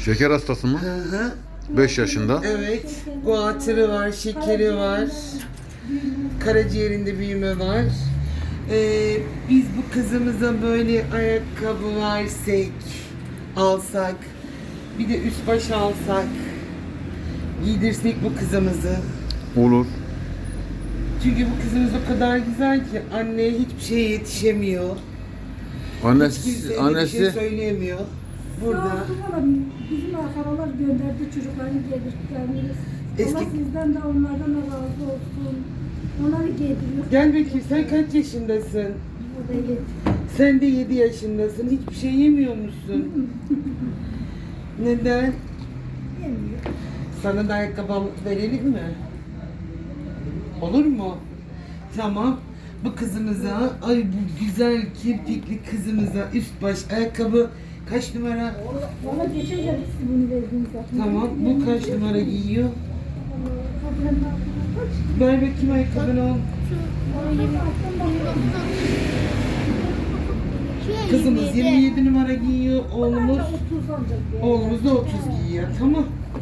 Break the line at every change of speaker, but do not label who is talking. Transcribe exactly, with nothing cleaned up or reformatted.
Şeker hastası mı?
Hı hı.
beş yaşında.
Evet. Guatrı var, şekeri var. Karaciğerinde büyüme var. Ee, biz bu kızımıza böyle ayakkabı versek, alsak, bir de üst baş alsak, giydirsek bu kızımızı.
Olur.
Çünkü bu kızımız o kadar güzel ki anneye hiçbir şey yetişemiyor. Hiç
Annesi,
kimseye de bir
annesi
şey söyleyemiyor. Burada.
Sağ olsun valla bizim akrabalar gönderdi çocuklarını giydirtlerimiz.
Eski-
Allah sizden de onlardan da razı olsun. Onları giydiriyor.
Gel bakayım, sen kaç yaşındasın?
Burada yedi.
Sen de yedi yaşındasın. Hiçbir şey yemiyor musun? Neden?
Yemiyor.
Sana da ayakkabı verelim mi? Olur mu? Tamam. Bu kızımıza, ay bu güzel kirpikli kızımıza üst baş ayakkabı kaç numara?
Valla geçen sene siz bunu verdiniz zaten.
Tamam. Bu kaç numara giyiyor?
Valla kadının aklına kaç?
Ver bakayım ayakkabını al. Kızımız yirmi yedi numara giyiyor. Oğlumuz
otuz ancak.
oğlumuz da otuz giyiyor. Tamam.